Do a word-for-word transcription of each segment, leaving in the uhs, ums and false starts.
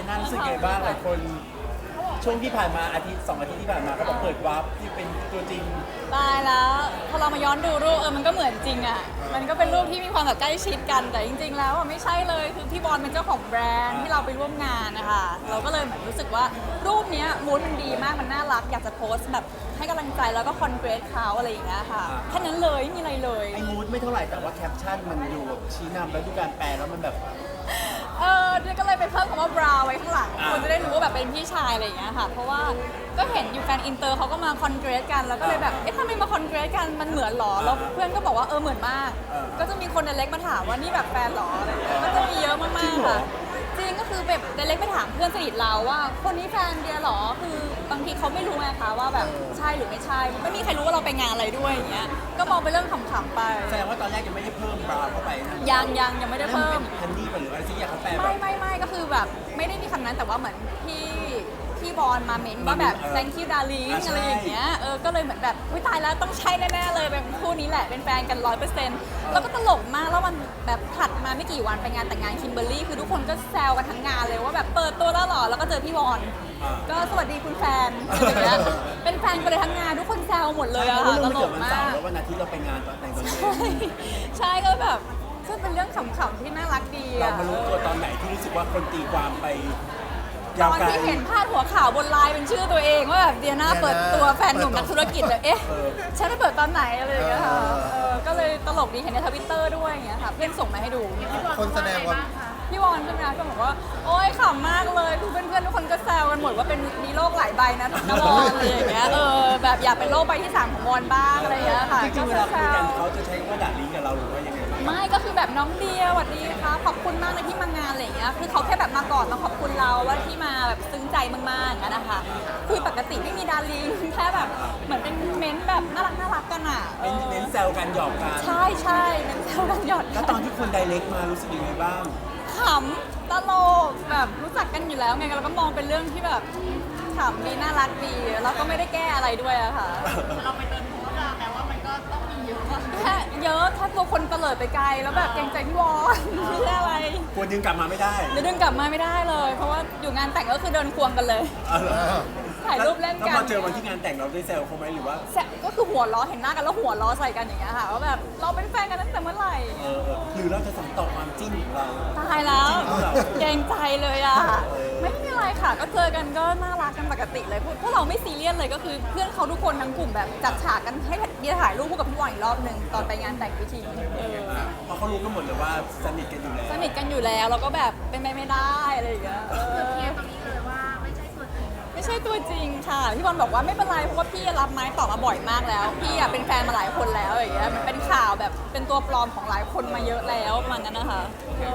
น่ารู้สึกไงบ้างหลายคนช่วงที่ผ่านมาอาทิตย์สองอาทิตย์ที่ผ่านมาก็บอกเปิดวาร์ปที่เป็นตัวจริงตายแล้วพอเรามาย้อนดูรูปเออมันก็เหมือนจริงอ่ะมันก็เป็นรูปที่มีความแบบใกล้ชิดกันแต่จริงๆแล้วอ่ะไม่ใช่เลยคือพี่บอลเป็นเจ้าของแบรนด์ที่เราไปร่วมงานนะคะเราก็เลยเหมือนรู้สึกว่ารูปเนี้ยมูดมันดีมากมันน่ารักอยากจะโพสต์แบบให้กำลังใจแล้วก็คอนเกรสเขาอะไรอย่างเงี้ยค่ะแค่นั้นเลยไม่มีอะไรเลยไอ้มูดไม่เท่าไหร่แต่ว่าแคปชั่นมันดูแบบชี้นำแล้วดูการแปลแล้วมันแบบเออเดี๋ยวก็เลยไปเพิ่มคำว่าบราวไว้ข้างหลังคนจะได้รู้ว่าแบบเป็นพี่ชายอะไรอย่างเงี้ยค่ะเพราะว่าก็เห็นอยู่แฟนอินเตอร์เขาก็มาคอนเกรสกันแล้วก็เลยแบบเอ๊ะทำไมมาคอนเกรสกันมันเหมือนหรอแล้วเพื่อนก็บอกว่าเออเหมือนมากก็จะมีคนในเล็กมาถามว่านี่แบบแฟนหรออะไรอย่างเงี้ยก็จะมีเยอะมากๆค่ะจริงก็คือแบบในเล็กไปถามเพื่อนสนิทเราว่าคนนี้แฟนเดียหรอคือบางทีเขาไม่รู้ไงคะว่าแบบใช่หรือไม่ใช่ไม่มีใครรู้ว่าเราไปงานอะไรด้วยอย่างเงี้ยก็มองไปเรื่องขำๆไปแสดงว่าตอนแรกยังไม่ได้เพิ่มบราเข้าไปนะยังยังยังไม่ได้เพิ่มฮันนี่หรืออะไรที่อยากเขาแปลไม่ไม่ไม่ก็คือแบบไม่ได้มีคำนั้นแต่ว่าเหมือนพี่พี่บอลมาเมนว่าแบบ thank you darling อะไรอย่างเงี้ยเออก็เลยเหมือนแบบอุ้ยตายแล้วต้องใช่แน่ๆเลยเป็นคู่นี้แหละเป็นแฟนกันร้อยเปอร์เซ็นต์แล้วก็ตลกมากแล้วมันแบบถัดมาไม่กี่วันไปงานแต่งงานคิมเบอร์รี่คือทุกคนก็แซวกันทั้งงานเลยว่าแบบเปิดตัวแล้วหรอแล้วก็เจอพี่บอลก็สวัสดีคุณแฟนอะไรอย่างเงี้ยเป็นแฟนกันเลยทั้งงานทุกคนแซวหมดเลยอะค่ะตลกมากแล้ววันอาทิตย์เราไปงานตอนแต่งตัวเองใช่ก็แบบซึ่งเป็นเรื่องขำๆที่น่ารักดีเรามารู้ตัวตอนไหนที่รู้สึกว่าคนตีความไปตอนที่เห็นพาดหัวข่าวบนไลน์เป็นชื่อตัวเองว่าแบบเดียน่าเปิดตัวแฟนหนุ่มนักธุรกิจเลยเอ๊ะฉันได้เปิดตอนไหนอะไรอย่างเงี้ยค่ะก็เลยตลกดีเห็นในทวิตเตอร์ด้วยอย่างเงี้ยค่ะเพื่อนส่งมาให้ดูคนแสดงว่าพี่วอนใช่ไหมคะก็บอกว่าโอ๊ยขำมากเลยคือเพื่อนๆทุกคนก็แซวกันหมดว่าเป็นมีโลกหลายใบนะนะวอนอะไรอย่างเงี้ยเออแบบอยากเป็นโลกใบที่สามของวอนบ้างอะไรอย่างเงี้ยค่ะจริงๆเวลาคุยกันเขาจะใช้ว่าด่าลิงกับเราหรือว่ายังไงไม่ก็คือแบบน้องเดียสวัสดีค่ะขอบคุณมากเลยที่มางานอะไรอย่างเงี้ยคือเขาแค่แบบมาก่อนมาขอบคุณเราว่าที่มาแบบซึ้งใจมากๆกันนะคะคือปกติไม่มีดาริงแค่แบบเหมือนเป็นเม้นแบบน่ารักน่ารักกันอ่ะเป็นเน้นแซวกันหยอกกันใช่ใช่เน้นแซวกันหยอกแล้วตอนที่คนไดเรกมารู้สึกยังไงบ้างขำตลกแบบรู้จักกันอยู่แล้วไงเราก็มองเป็นเรื่องที่แบบขำดีน่ารักดีแล้วก็ไม่ได้แก้อะไรด้วยอะค่ะเราไปเดินทัวร์แปลว่ามันก็ต้องมีเยอะแค่เยอะถ้าตัวคนเตลิดไปไกลแล้วแบบเกรงใจพี่วอนไม่ใช่อะไรกลัวดึงกลับมาไม่ได้เดี๋ยวดึงกลับมาไม่ได้เลยเพราะว่าอยู่งานแต่งก็คือเดินควงกันเลยถ่ายรูปเล่นกันแล้วพอเจอวันที่งานแต่งเราได้แซวเขาไหมหรือว่าก็คือหัวล้อเห็นหน้ากันแล้วหัวล้อใส่กันอย่างเงี้ยค่ะว่าแบบเราเป็นแฟนกันตั้งแต่เมื่อไหร่เออหรือเราจะส่งต่อความจิ้นของเราตายแล้วเกรงใจเลยอ่ะไม่มีอะไรค่ะก็เจอกันก็น่ารักกันปกติเลยพวกเราไม่ซีเรียสเลยก็คือเพื่อนเขาทุกคนทั้งกลุ่มแบบจัดฉากกันให้เดียถ่ายรูปคู่กับพี่วอนอีกรอบหนึ่งตอนไปงานแต่งพิธีเออเพราะเขารู้กันหมดเลยว่าสนิทกันอยู่แล้วสนิทกันอยู่แล้วแล้วก็แบบเป็นไปไม่ได้อะไรอย่างเงี้ยเคลียร์ตรงนี้เลยว่าไม่ใช่ตัวจริงไม่ใช่ตัวจริงค่ะพี่บอลบอกว่าไม่เป็นไรเพราะว่าพี่รับไม้ต่อมาบ่อยมากแล้วพี่อะเป็นแฟนมาหลายคนแล้วอย่างเงี้ยมันเป็นข่าวแบบเป็นตัวปลอมของหลายคนมาเยอะแล้วประมาณนั้นนะคะ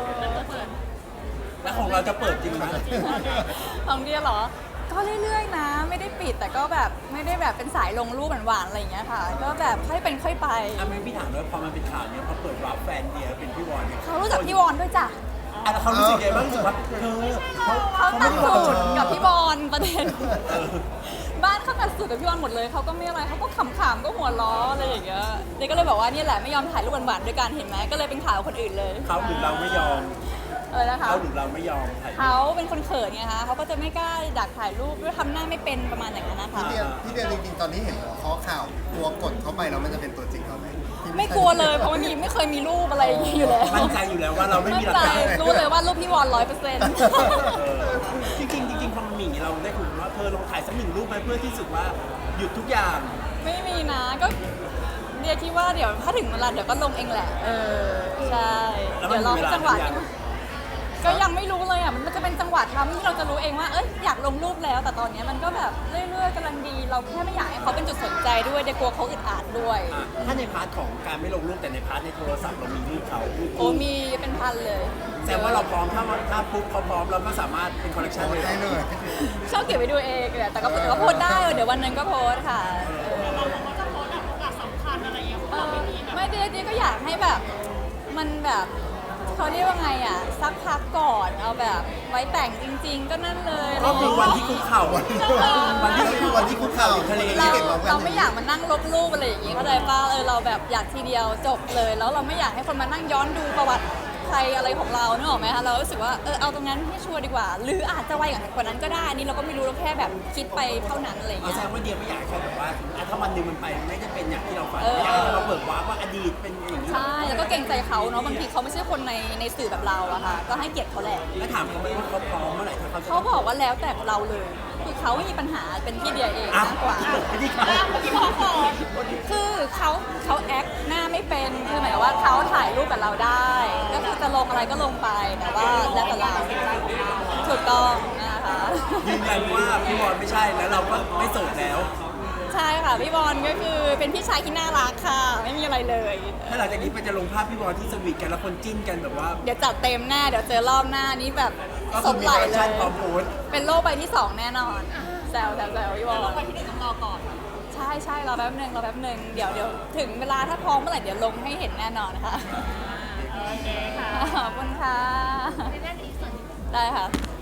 แล้วของเราจะเปิดจริงไหมของเดียเหรอก็เรื่อยๆนะไม่ได้ปิดแต่ก็แบบไม่ได้แบบเป็นสายลงรูปหวานๆอะไรอย่างเงี้ยค่ะก็แบบค่อยเป็นค่อยไปอ่ะไม่พี่ถามว่าพอมันเป็นข่าวเนี้ยพอเปิดรับแฟนเดียเป็นพี่วอนเนี่ยเขารู้จักพี่วอนด้วยจ้ะอ่ะแล้วเขารู้สึกยังไงบ้างรู้สึกว่าเธอเขาเขาตัดสูตรกับพี่บอลประเด็นบ้านเขาตัดสูตรกับพี่บอลหมดเลยเขาก็ไม่อะไรเขาก็ขำๆก็หัวล้ออะไรอย่างเงี้ยเด็กก็เลยบอกว่านี่แหละไม่ยอมถ่ายรูปหวานๆด้วยกันเห็นไหมก็เลยเป็นข่าวคนอื่นเลยเขาหรือเราไม่ยอมเออนะคะเขาหรือเราไม่ยอมเขาเป็นคนเขินไงคะเขาก็จะไม่กล้าดักถ่ายรูปด้วยทำหน้าไม่เป็นประมาณอย่างนั้นนะคะพี่เดียพี่เดียจริงๆตอนนี้เห็นข้อข่าวตัวกดเข้าไปแล้วมันจะเป็นตัวจริงเขาไหมไม่กลัวเลยเพราะมันมีไม่เคยมีรูปอะไรอย่างนี้อยู่แล้วมั่นใจอยู่แล้วว่าเราไม่มีหลักฐานรู้เลยว่ารูปพี่วอนร้อยเปอร์เซ็นต์จริงจริงๆพอมันมีอย่างนี้เราได้คุยว่าเธอลองถ่ายสักหนึ่งรูปไหมเพื่อที่สุดว่าหยุดทุกอย่างไม่มีนะก็เดียคิดว่าเดี๋ยวถ้าถึงเวลาเดี๋ยวก็ลงเองแหละเออใช่เดี๋ยวรอให้จังหวะก็ยังไม่รู้เลยอ่ะมันจะเป็นจังหวะทำที่เราจะรู้เองว่าเอ้ยอยากลงรูปแล้วแต่ตอนนี้มันก็แบบเรื่อยๆกำลังดีเราแค่ไม่อยากให้เขาเป็นจุดสนใจด้วยเดี๋ยวกลัวเขาอึดอัดด้วยถ้าในพาร์ทของการไม่ลงรูปแต่ในพาร์ทในโทรศัพท์เรามีรูปเขาโอ้มีเป็นพันเลยแสดงว่าเราพร้อมถ้าถ้าปุ๊บเขาพร้อมเราก็สามารถเป็นคอลเลคชันได้เลยชอบเก็บไว้ดูเองแต่ก็ก็โพสได้เดี๋ยววันนึงก็โพสค่ะเราก็จะโพสแบบโอกาสสำคัญอะไรอย่างเงี้ยเราไม่มีไม่เดียก็อยากให้แบบมันแบบเขาเรียกว่าไงอ่ะสักพักก่อนเอาแบบไว้แต่งจริงๆก็นั่นเลยก็คือวันที่คุกเข่าวันที่วันที่คุกเข่าทะเลเราเราไม่อยากมานั่งลบรูปอะไรอย่างงี้เข้าใจป่ะเออเราแบบอยากทีเดียวจบเลยแล้วเราไม่อยากให้คนมานั่งย้อนดูประวัติคใครอะไรของเราเนกออกไหมคะเรารู้สึกว่าเออเอาตรงนั้นให้ชัวร์ดีกว่า หรืออาจจะไวกว่านั้นก็ได้อันนี่เราก็ไม่รู้เราแค่แบบคิดไปเท่านั้นอะไรอย่างเอาเงี้แสยดงว่าเดียไม่อยากให้ใครแบบว่าอ่ะถ้าวันหนึ่งมันไปไม่ได้เป็นอย่างที่เราฝันเออไม่อยากให้เราเบิกว้าว่าอดีตเป็นอย่างนี้ใช่แล้วก็เกรงใจเขาเนาะบางทีเขาไม่ใช่คนในในสื่อแบบเราอะค่ะก็ให้เกียรติเขาแหละแล้วถามเขาไหมว่าเขาพร้อมเมื่อไหร่ถ้าเขาจะเขาบอกว่าแล้วแต่เราเลยคือเขาไม่มีปัญหาเป็นที่เดียเองอ้าวมากกว่าไม่ได้เขาพี่พ่อขอคือเขาเขาแอคหน้าไม่เป็นคือหมายความว่าเขาถ่ายรูปกับเราได้ ก็คือจะลงอะไรก็ลงไปแต่ว่าแล้วแต่เราถูกต้องนะคะยืนยันว่าพี่บอลไม่ใช่แล้วเราก็ไม่โสดแล้วใช่ค่ะพี่บอลก็คือเป็นพี่ชายที่น่ารักค่ะ ไม่มีอะไรเลยถ้าหลังจากนี้ไปจะลงภาพพี่บอลที่สวีทกันแล้วคนจิ้นกันแบบว่าเดี๋ยวจัดเต็มแน่เดี๋ยวเจอรอบหน้านี้แบบก็สคือดมีไหลแฟเลชั่นยพร้อมโพสต์เป็นโลกใบที่สองแน่นอนแซวแซวแซวพี่บอลเราไปที่หนึ่งต้องรอก่อนใช่ใช่รอแป๊บหนึ่งรอแป๊บหนึ่งเดี๋ยวเดี๋ยวถึงเวลาถ้าพร้อมเมื่อไหร่เดี๋ยวลงให้เห็นแน่นอนค่ะโอเคค่ะขอบคุณค่ะในเรื่องนี้ส่วนได้ค่ะ